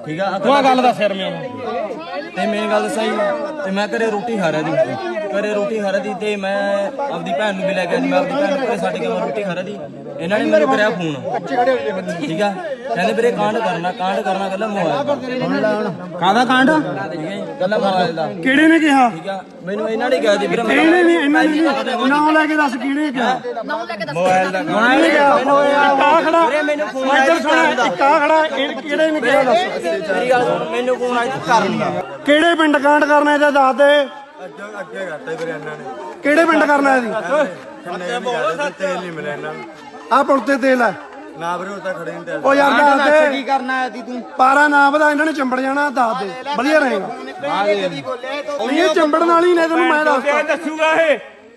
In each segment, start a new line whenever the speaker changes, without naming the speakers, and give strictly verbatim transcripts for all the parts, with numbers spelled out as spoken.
ठीक है गल दस यार मैं ते मेन गल सही ते मैं घरे रोटी खा रहा थी घरे रोटी खा रही थी ते मैं अपनी भैन नूं भी लैके आई मैं अपनी भैन घरे छड्ड के मैं रोटी खा रही थी इन्हां ने मैनूं करिया फोन ठीक है कहंदे वीरे कांड करना कांड करना कहला मोबाइल
ਕਾਹਦਾ ਕਾਂਡ
ठीक है कहला मोबाइल दा
ਕਿਹੜੇ ਨੇ ਕਿਹਾ
ठीक है मैनूं इन्हां ने कहा दी वीरे
ਇਹਨੇ ਨਹੀਂ ਇਹਨਾਂ ਨੇ ਨਾਮ ਲੈ ਕੇ ਦੱਸ ਕਿਹਨੇ ਕਿਹਾ
मोबाइल दा
ਮੈਂ ਨਹੀਂ ਕਿਹਾ ਕਾ ਖੜਾ
ਵੀਰੇ ਮੈਨੂੰ ਫੋਨ
ਇੱਧਰ ਸੁਣ ਕਾ ਖੜਾ ਇਹ ਕਿਹੜੇ ਨੇ ਕਿਹਾ ਦੱਸ
ਮੇਰੀ ਗੱਲ ਸੁਣ ਮੈਨੂੰ ਫੋਨ ਆਇਆ ਕਰਨ ਦਾ
ਕਿਹੜੇ ਪਿੰਡ ਕਾਂਡ ਕਰਨਾ ਇਹਦਾ ਦੱਸ ਦੇ
ਅੱਗੇ ਅੱਗੇ ਕਰਤਾ ਵੀਰੇ ਇਹਨਾਂ ਨੇ
ਕਿਹੜੇ ਪਿੰਡ ਕਰਨਾ ਇਹਦੀ
ਖੰਨੇ ਵੀ ਕਰਦੇ ਤੇਲ ਨਹੀਂ ਮਿਲਿਆ ਇਹਨਾਂ ਨੂੰ
ਆ ਪੁਲ ਤੇ ਤੇਲ ਹੈ
ਨਾ ਵੀਰੇ ਉਹ ਤਾਂ ਖੜੇ ਨਹੀਂ ਤੇ
ਉਹ ਯਾਰ ਦੱਸ ਦੇ
ਕੀ ਕਰਨਾ ਹੈ ਤੀ ਤੂੰ
ਪਾਰਾ ਨਾ ਵਧਾ ਇਹਨਾਂ ਨੇ ਚੰਬੜ ਜਾਣਾ ਦੱਸ ਦੇ ਵਧੀਆ ਰਹੇਗਾ ਇਹ ਚੰਬੜਨ ਵਾਲੀ ਨੇ ਤੈਨੂੰ ਮੈਂ ਦੱਸਦਾ
ਦੱਸੂਗਾ ਇਹ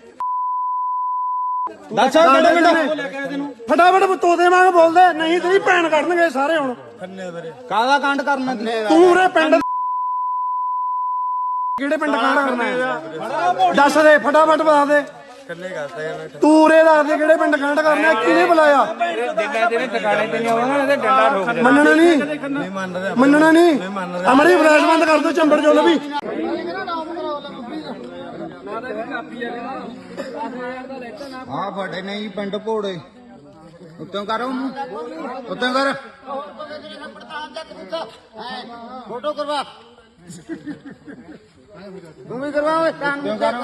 ਦੱਸ ਕਿਹੜੇ ਪਿੰਡ ਫਟਾਫਟ ਤੋਤੇ ਵਾਂਗ ਬੋਲਦੇ ਨਹੀਂ ਤੇਰੀ ਭੈਣ ਕੱਢਣਗੇ ਸਾਰੇ ਹੁਣ
ਖੰਨੇ ਵੀਰੇ
ਕਾਹਦਾ ਕਾਂਡ ਕਰਨਾ
ਤੂੰ ਉਰੇ ਪਿੰਡ ਕਿਹੜੇ ਪਿੰਡ ਕਾਂਡ ਕਰਨਾ ਹੈ ਦੱਸ ਦੇ ਫਟਾਫਟ ਬਤਾ ਦੇ
ਖੰਨੇ ਕਰਤਾ ਇਹਨਾਂ
ਤੂੰ ਉਰੇ ਦੱਸ ਦੇ ਕਿਹੜੇ ਪਿੰਡ ਕਾਂਡ ਕਰਨਾ ਕਿਹਨੇ ਬੁਲਾਇਆ
ਮੈਂ ਤੇਰੇ ਟਿਕਾਣੇ ਤੇ ਨਹੀਂ ਆਉਣਾ ਇਹਦੇ ਡੰਡਾ ਠੋਕ ਦੇ
ਮੰਨਣਾ ਨਹੀਂ
ਨਹੀਂ ਮੰਨ ਰਿਹਾ
ਮੰਨਣਾ ਨਹੀਂ ਅਮਰੀ ਫਲੈਸ਼ ਬੰਦ ਕਰ ਦੋ ਚੰਬੜ ਜੋ ਵੀ
ਹਾਂ ਫੜੇ ਨੇ ਜੀ ਪਿੰਡ ਭੋੜੇ ਉੱਤੋਂ ਕਰ ਉਹਨੂੰ ਉੱਤੋਂ ਕਰ
ਫੋਟੋ ਕਰਵਾ ਤੂੰ ਵੀ ਕਰਵਾ ਓਏ
ਉੱਤੋਂ ਕਰ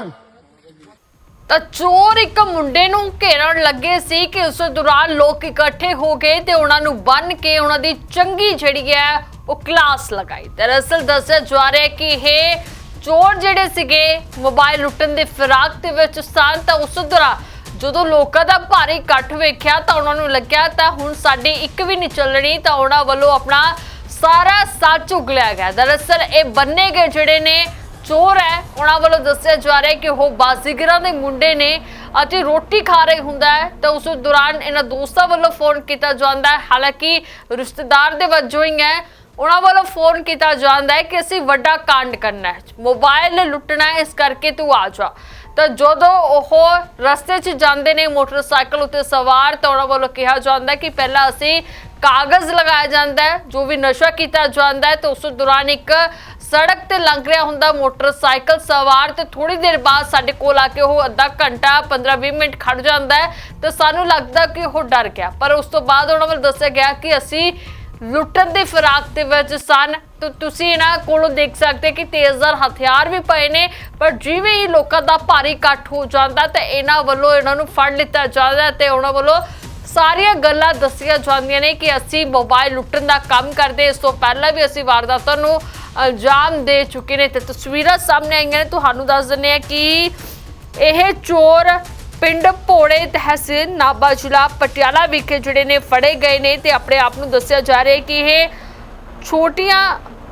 ਤਾਂ ਚੋਰ ਇੱਕ ਮੁੰਡੇ ਨੂੰ ਘੇਰਨ ਲੱਗੇ ਸੀ ਕਿ ਉਸ ਦੌਰਾਨ ਲੋਕ ਇਕੱਠੇ ਹੋ ਗਏ ਤੇ ਉਹਨਾਂ ਨੂੰ ਬੰਨ ਕੇ ਉਹਨਾਂ ਦੀ ਚੰਗੀ ਜਿਹੜੀ ਹੈ ਉਹ ਕਲਾਸ ਲਗਾਈ। ਦਰਅਸਲ ਦੱਸਿਆ ਜਾ ਰਿਹਾ ਕਿ ਇਹ ਚੋਰ ਜਿਹੜੇ ਸੀਗੇ ਮੋਬਾਈਲ ਲੁੱਟਣ ਦੇ ਫਿਰਾਕ ਦੇ ਵਿੱਚ ਸਨ ਤਾਂ ਉਸ ਦੌਰਾਨ ਜਦੋਂ ਲੋਕਾਂ ਦਾ ਭਾਰੀ ਇਕੱਠ ਵੇਖਿਆ ਤਾਂ ਉਹਨਾਂ ਨੂੰ ਲੱਗਿਆ ਤਾਂ ਹੁਣ ਸਾਡੀ ਇੱਕ ਵੀ ਨਹੀਂ ਚੱਲਣੀ ਤਾਂ ਉਹਨਾਂ ਵੱਲੋਂ ਆਪਣਾ ਸਾਰਾ ਸੱਚ ਉਗਲਿਆ ਗਿਆ। ਦਰਅਸਲ ਇਹ ਬੰਨੇ ਗਏ ਜਿਹੜੇ ਨੇ ਚੋਰ ਹੈ ਉਹਨਾਂ ਵੱਲੋਂ ਦੱਸਿਆ ਜਾ ਰਿਹਾ ਕਿ ਉਹ ਬਾਜ਼ੀਗਰਾਂ ਦੇ ਮੁੰਡੇ ਨੇ ਅਤੇ ਰੋਟੀ ਖਾ ਰਹੇ ਹੁੰਦਾ ਹੈ ਤਾਂ ਉਸ ਦੌਰਾਨ ਇਹਨਾਂ ਦੋਸਤਾਂ ਵੱਲੋਂ ਫੋਨ ਕੀਤਾ ਜਾਂਦਾ ਹੈ। ਹਾਲਾਂਕਿ ਰਿਸ਼ਤੇਦਾਰ ਦੇ ਵਜੋਂ ਹੀ ਹੈ ਉਹਨਾਂ ਵੱਲੋਂ ਫੋਨ ਕੀਤਾ ਜਾਂਦਾ ਹੈ ਕਿ ਅਸੀਂ ਵੱਡਾ ਕਾਂਡ ਕਰਨਾ ਹੈ ਮੋਬਾਈਲ ਲੁੱਟਣਾ ਹੈ ਇਸ ਕਰਕੇ ਤੂੰ ਆ ਜਾ। ਤਾਂ ਜਦੋਂ ਉਹ ਰਸਤੇ 'ਚ ਜਾਂਦੇ ਨੇ ਮੋਟਰਸਾਈਕਲ ਉੱਤੇ ਸਵਾਰ ਤਾਂ ਉਹਨਾਂ ਵੱਲੋਂ ਕਿਹਾ ਜਾਂਦਾ ਕਿ ਪਹਿਲਾਂ ਅਸੀਂ ਕਾਗਜ਼ ਲਗਾਇਆ ਜਾਂਦਾ ਹੈ ਜੋ ਵੀ ਨਸ਼ਾ ਕੀਤਾ ਜਾਂਦਾ ਹੈ ਤਾਂ ਉਸ ਦੌਰਾਨ ਇੱਕ ਸੜਕ ਤੇ ਲੰਘ ਰਿਹਾ ਹੁੰਦਾ ਮੋਟਰਸਾਈਕਲ ਸਵਾਰ ਤੇ ਥੋੜੀ ਦੇਰ ਬਾਅਦ ਸਾਡੇ ਕੋਲ ਆ ਕੇ ਉਹ ਅੱਧਾ ਘੰਟਾ ਪੰਦਰਾਂ ਵੀਹ ਮਿੰਟ ਖੜ ਜਾਂਦਾ ਹੈ ਤੇ ਸਾਨੂੰ ਲੱਗਦਾ ਕਿ ਉਹ ਡਰ ਗਿਆ ਪਰ ਉਸ ਤੋਂ ਬਾਅਦ ਉਹਨਾਂ ਵੱਲ ਦੱਸਿਆ ਗਿਆ ਕਿ ਅਸੀਂ ਲੁੱਟਣ ਦੇ ਫਿਰਾਕ ਦੇ ਵਿੱਚ ਸਨ। ਤਾਂ ਤੁਸੀਂ ਇਹਨਾਂ ਕੋਲੋਂ ਦੇਖ ਸਕਦੇ ਕਿ ਤੇਜ਼ਧਾਰ ਹਥਿਆਰ ਵੀ ਪਏ ਨੇ ਪਰ ਜਿਵੇਂ ਹੀ ਲੋਕਾਂ ਦਾ ਭਾਰੀ ਇਕੱਠ ਹੋ ਜਾਂਦਾ ਤੇ ਇਹਨਾਂ ਵੱਲੋਂ ਇਹਨਾਂ ਨੂੰ ਫੜ ਲਿੱਤਾ ਜਾਂਦਾ ਤੇ ਉਹਨਾਂ ਵੱਲੋਂ ਸਾਰੀਆਂ ਗੱਲਾਂ ਦੱਸੀਆਂ ਜਾਂਦੀਆਂ ਨੇ ਕਿ ਅਸੀਂ ਮੋਬਾਈਲ ਲੁੱਟਣ ਦਾ ਕੰਮ ਕਰਦੇ ਇਸ ਤੋਂ ਪਹਿਲਾਂ ਵੀ ਅਸੀਂ ਵਾਰਦਾਤਾਂ ਨੂੰ ਅੰਜਾਮ ਦੇ ਚੁੱਕੇ ਨੇ ਤੇ ਤਸਵੀਰਾਂ ਸਾਹਮਣੇ ਆਈਆਂ ਨੇ। ਤੁਹਾਨੂੰ ਦੱਸ ਦਿੰਦੇ ਆ ਕਿ ਇਹ ਚੋਰ ਪਿੰਡ ਭੋੜੇ ਤਹਿਸੀਲ ਨਾਭਾ ਜ਼ਿਲ੍ਹਾ ਪਟਿਆਲਾ ਵਿਖੇ ਜਿਹੜੇ ਨੇ ਫੜੇ ਗਏ ਨੇ ਤੇ ਆਪਣੇ ਆਪ ਨੂੰ ਦੱਸਿਆ ਜਾ ਰਿਹਾ ਕਿ ਇਹ ਛੋਟੀਆਂ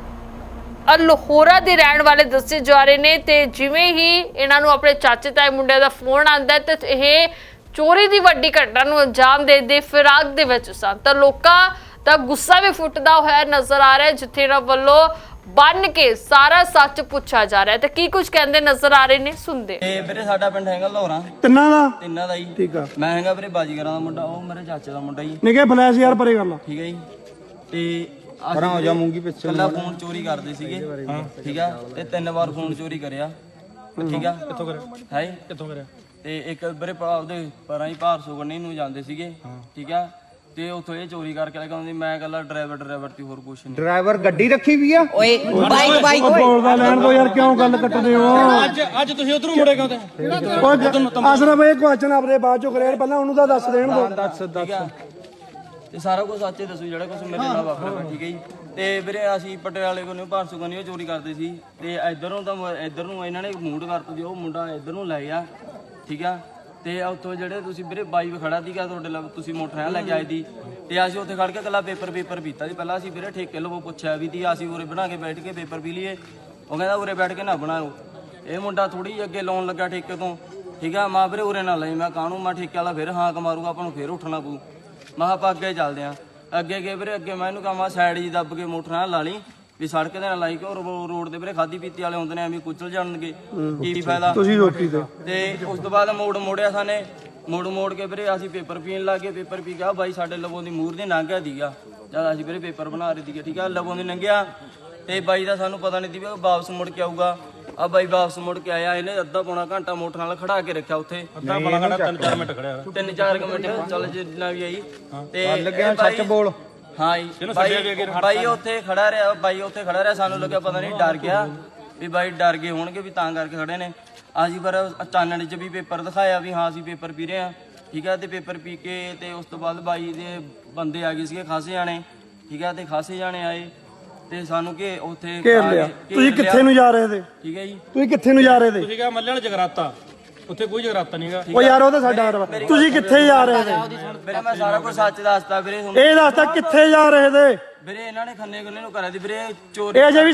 ਲਾਹੌਰਾ ਦੇ ਰਹਿਣ ਵਾਲੇ ਦੱਸੇ ਜਾ ਰਹੇ ਨੇ ਤੇ ਜਿਵੇਂ ਹੀ ਇਹਨਾਂ ਨੂੰ ਆਪਣੇ ਚਾਚੇ ਤਾਏ ਮੁੰਡੇ ਦਾ ਫੋਨ ਆਉਂਦਾ ਤੇ ਇਹ ਚੋਰੀ ਦੀ ਵੱਡੀ ਘਟਨਾ ਨੂੰ ਅੰਜਾਮ ਦੇ ਦੇ ਫਿਰਾਕ ਦੇ ਵਿੱਚ ਸਨ ਤਾਂ ਲੋਕਾਂ ਦਾ ਗੁੱਸਾ ਵੀ ਫੁੱਟਦਾ ਹੋਇਆ ਨਜ਼ਰ ਆ ਰਿਹਾ ਜਿੱਥੇ ਇਹਨਾਂ ਵੱਲੋਂ ਬੰਨ ਕੇ ਸਾਰਾ ਸੱਚ ਪੁੱਛਿਆ ਜਾ ਰਿਹਾ ਤੇ ਕੀ ਕੁਝ ਕਹਿੰਦੇ ਨਜ਼ਰ ਆ ਰਹੇ ਨੇ ਸੁਣਦੇ।
ਤੇ ਵੀਰੇ ਸਾਡਾ ਪਿੰਡ ਹੈਗਾ ਲੋਹਰਾ
ਤਿੰਨਾਂ ਦਾ
ਤਿੰਨਾਂ ਦਾ ਜੀ
ਠੀਕ ਆ
ਮੈਂ ਹੈਗਾ ਵੀਰੇ ਬਾਜੀਗਰਾਂ ਦਾ ਮੁੰਡਾ ਉਹ ਮੇਰੇ ਚਾਚੇ ਦਾ ਮੁੰਡਾ ਜੀ
ਨਿਕੇ ਫਲੈਸ਼ ਯਾਰ ਪਰੇ ਕਰ ਲਾ
ਠੀਕ ਹੈ ਜੀ ਤੇ
ਪਰਾਂ ਹੋ ਜਾ ਮੂੰਗੀ ਪਿੱਛੇ
ਕੱਲਾ ਫੋਨ ਚੋਰੀ ਕਰਦੇ ਸੀਗੇ ਠੀਕ ਆ ਤੇ ਤਿੰਨ ਵਾਰ ਫੋਨ ਚੋਰੀ ਕਰਿਆ ਠੀਕ ਆ ਕਿੱਥੋਂ ਕਰਿਆ ਹੈ ਕਿੱਥੋਂ ਕਰਿਆ ਤੇ ਇੱਕ ਵੀਰੇ ਉਹਦੇ ਪਰਾਂ ਹੀ ਭਾਰ ਸੁਗਣੀ ਨੂੰ ਜਾਂਦੇ ਸੀਗੇ ਠੀਕ ਆ ਤੇ ਉੱਥੋਂ ਇਹ ਚੋਰੀ ਕਰਕੇ ਲੈ ਕੇ ਆਉਂਦੀ ਮੈਂ ਕੱਲਾ ਡਰਾਈਵਰ ਡਰਾਈਵਰ ਤੇ ਹੋਰ ਕੁਛ ਨਹੀਂ
ਡਰਾਈਵਰ ਗੱਡੀ ਰੱਖੀ ਵੀ ਆ
ਓਏ ਬਾਈਕ ਬਾਈਕ ਓਏ
ਬੋਲਦਾ ਲੈਣ ਦੋ ਯਾਰ ਕਿਉਂ ਗੱਲ ਕੱਟਦੇ ਹੋ
ਅੱਜ ਅੱਜ ਤੁਸੀਂ ਉਧਰੋਂ ਮੁੜੇ ਕਿਉਂ ਤੇ
ਅਸਰਫ ਇਹ ਕੁਐਸਚਨ ਆਪਰੇ ਬਾਅਦ ਚੋਂ ਕਰਿਆ ਯਾਰ ਪਹਿਲਾਂ ਉਹਨੂੰ ਤਾਂ ਦੱਸ ਦੇਣ ਦੋ ਦੱਸ
ਠੀਕ ਆ ਤੇ ਸਾਰਾ ਕੁਝ ਸੱਚੇ ਦੱਸੋ ਜਿਹੜਾ ਕੁਝ ਮੇਰੇ ਨਾਲ ਵਾਪਰਿਆ ਠੀਕ ਹੈ ਜੀ ਤੇ ਵੀਰੇ ਅਸੀਂ ਪਟਿਆਲੇ ਕੋਲੋਂ ਭਾਰਸੂ ਕੋਲੋਂ ਚੋਰੀ ਕਰਦੇ ਸੀ ਤੇ ਇਧਰੋਂ ਤਾਂ ਇਧਰ ਨੂੰ ਇਹਨਾਂ ਨੇ ਮੂਡ ਕਰਤਾ ਜੀ ਉਹ ਮੁੰਡਾ ਇਧਰ ਨੂੰ ਲੈ ਗਿਆ ਠੀਕ ਆ ਤੇ ਉੱਥੋਂ ਜਿਹੜੇ ਤੁਸੀਂ ਵੀਰੇ ਬਾਈ ਖੜਾ ਸੀਗਾ ਤੁਹਾਡੇ ਨਾਲ ਤੁਸੀਂ ਮੋਟਰ ਲੈ ਕੇ ਆਏ ਦੀ ਤੇ ਅਸੀਂ ਉੱਥੇ ਖੜ ਕੇ ਇਕੱਲਾ ਪੇਪਰ ਪੇਪਰ ਪੀਤਾ ਸੀ ਪਹਿਲਾਂ ਅਸੀਂ ਵੀਰੇ ਠੇਕੇ ਲਵੋ ਪੁੱਛਿਆ ਵੀ ਤੀ ਅਸੀਂ ਉਰੇ ਬਣਾ ਕੇ ਬੈਠ ਕੇ ਪੇਪਰ ਪੀ ਲਈਏ ਉਹ ਕਹਿੰਦਾ ਉਰੇ ਬੈਠ ਕੇ ਨਾ ਬਣਾਓ ਇਹ ਮੁੰਡਾ ਥੋੜੀ ਜਿਹੀ ਅੱਗੇ ਲਾਉਣ ਲੱਗਾ ਠੇਕੇ ਤੋਂ ਠੀਕ ਆ ਮਾਂ ਵੀਰੇ ਉਰੇ ਨਾ ਲਈ ਮੈਂ ਕਾਹਨੂੰ ਮੈਂ ਠੇਕੇ ਵਾਲਾ ਫਿਰ ਹਾਂ ਕਮਾਰੂਗਾ ਆਪਾਂ ਨੂੰ ਫਿਰ ਉੱਠਣਾ ਪਊ ਮੈਂ ਆਪਾਂ ਅੱਗੇ ਚੱਲਦੇ ਆ ਅੱਗੇ ਗਏ ਵੀਰੇ ਅੱਗੇ ਮੈਂ ਇਹਨੂੰ ਕਹਾਂ ਮੈਂ ਸਾਈਡ ਜੀ ਦੱਬ ਕੇ ਮੋਟਰ ਨਾਲ ਲਾ ਲਈ ਵੀ ਸੜਕ ਦੇ ਨਾਲ ਲਾਈ ਕਿ ਰੋਡ ਦੇ ਵੀਰੇ ਖਾਦੀ ਪੀਤੀ ਵਾਲੇ ਹੁੰਦੇ ਨੇ ਐਵੇਂ ਕੁਚਲ ਜਾਣਗੇ ਕੀ ਫਾਇਦਾ
ਤੁਸੀਂ ਰੋਟੀ ਤੇ
ਤੇ ਉਸ ਤੋਂ ਬਾਅਦ ਮੋੜ ਮੋੜਿਆ ਸਾਨੇ ਮੋੜ ਮੋੜ ਕੇ ਵੀਰੇ ਅਸੀਂ ਪੇਪਰ ਪੀਣ ਲੱਗ ਗਏ। ਪੇਪਰ ਪੀ ਗਿਆ ਬਾਈ ਸਾਡੇ ਲਵੋਂ ਦੀ ਮੂਹਰ ਦੇ ਲੰਘਿਆ ਦੀਗਾ ਜਦ ਅਸੀਂ ਵੀਰੇ ਪੇਪਰ ਬਣਾ ਰਹੇ ਸੀਗੇ, ਠੀਕ ਆ। ਲਵੋਂ ਦੀ ਲੰਘਿਆ ਤੇ ਬਾਈ ਦਾ ਸਾਨੂੰ ਪਤਾ ਨਹੀਂ ਸੀ ਵੀ ਉਹ ਵਾਪਸ ਮੁੜ ਕੇ ਆਊਗਾ। ਆ ਬਾਈ ਵਾਪਸ ਮੁੜ ਕੇ ਆਇਆ, ਇਹਨੇ ਅੱਧਾ ਪੌਣਾ ਘੰਟਾ ਮੋਟਰ ਨਾਲ ਖੜਾ ਕੇ ਰੱਖਿਆ ਉੱਥੇ।
ਅੱਧਾ ਪੌਣਾ ਘੰਟਾ ਤਿੰਨ ਚਾਰ ਮਿੰਟ ਖੜਿਆ
ਤਿੰਨ ਚਾਰ ਕੁ ਮਿੰਟ ਚੱਲ ਜਿੰਨਾ ਵੀ ਆਈ ਤੇ
ਲੱਗਿਆ
ਇਹ ਬਾਈ-
ਸੱਚ ਬੋਲ।
ਹਾਂ ਜੀ ਬਾਈ ਬਾਈ ਉੱਥੇ ਖੜਾ ਰਿਹਾ ਬਾਈ ਉੱਥੇ ਖੜਾ ਰਿਹਾ ਸਾਨੂੰ ਲੱਗਿਆ ਪਤਾ ਨਹੀਂ ਡਰ ਗਿਆ ਵੀ ਬਾਈ ਡਰ ਗਏ ਹੋਣਗੇ ਵੀ ਤਾਂ ਕਰਕੇ ਖੜੇ ਨੇ। ਅਸੀਂ ਪਰ ਚਾਨਣ 'ਚ ਵੀ ਪੇਪਰ ਦਿਖਾਇਆ ਵੀ ਹਾਂ ਅਸੀਂ ਪੇਪਰ ਪੀ ਰਹੇ ਹਾਂ, ਠੀਕ ਹੈ। ਤੇ ਪੇਪਰ ਪੀ ਕੇ ਤੇ ਉਸ ਤੋਂ ਬਾਅਦ ਬਾਈ ਦੇ ਬੰਦੇ ਆ ਗਏ ਸੀਗੇ ਖਾਸੇ ਜਾਣੇ, ਠੀਕ ਹੈ। ਤੇ ਖਾਸੇ ਜਾਣੇ ਆਏ ਤੇ ਸਾਨੂੰ ਕਿ ਉੱਥੇ
ਘੇਰ
ਆ
ਲਿਆ।
ਕੇ- ਘੇਰ
ਤੁਸੀਂ ਕਿੱਥੇ ਨੂੰ ਜਾ ਰਹੇ ਤੇ?
ਠੀਕ ਹੈ ਜੀ।
ਤੁਸੀਂ ਕਿੱਥੇ ਨੂੰ ਜਾ ਰਹੇ ਤੇ?
ਤੁਸੀਂ ਕਿਹਾ ਮੱਲੇ ਵਾਲਾ ਜਗਰਾਤਾ, ਉੱਥੇ ਕੋਈ ਜਗਰਾਤਾ ਨਹੀਂਗਾ।
ਉਹ ਯਾਰ ਉਹ ਤਾਂ ਸਾਡਾ ਹਰਵਾ। ਤੁਸੀਂ ਕਿੱਥੇ ਜਾ ਰਹੇ ਤੇ?
ਵੀਰੇ ਮੈਂ ਸਾਰਾ ਕੁਝ ਸੱਚ ਦੱਸਦਾ ਵੀਰੇ ਤੁਹਾਨੂੰ।
ਇਹ ਦੱਸਦਾ ਕਿੱਥੇ ਜਾ ਰਹੇ ਤੇ?
ਵੀਰੇ ਇਹਨਾਂ ਨੇ ਖੰਨੇ ਖੁੰਨੇ ਨੂੰ ਕਰਿਆ ਸੀ ਵੀਰੇ ਚੋਰੀ।
ਇਹ ਜੇ ਵੀ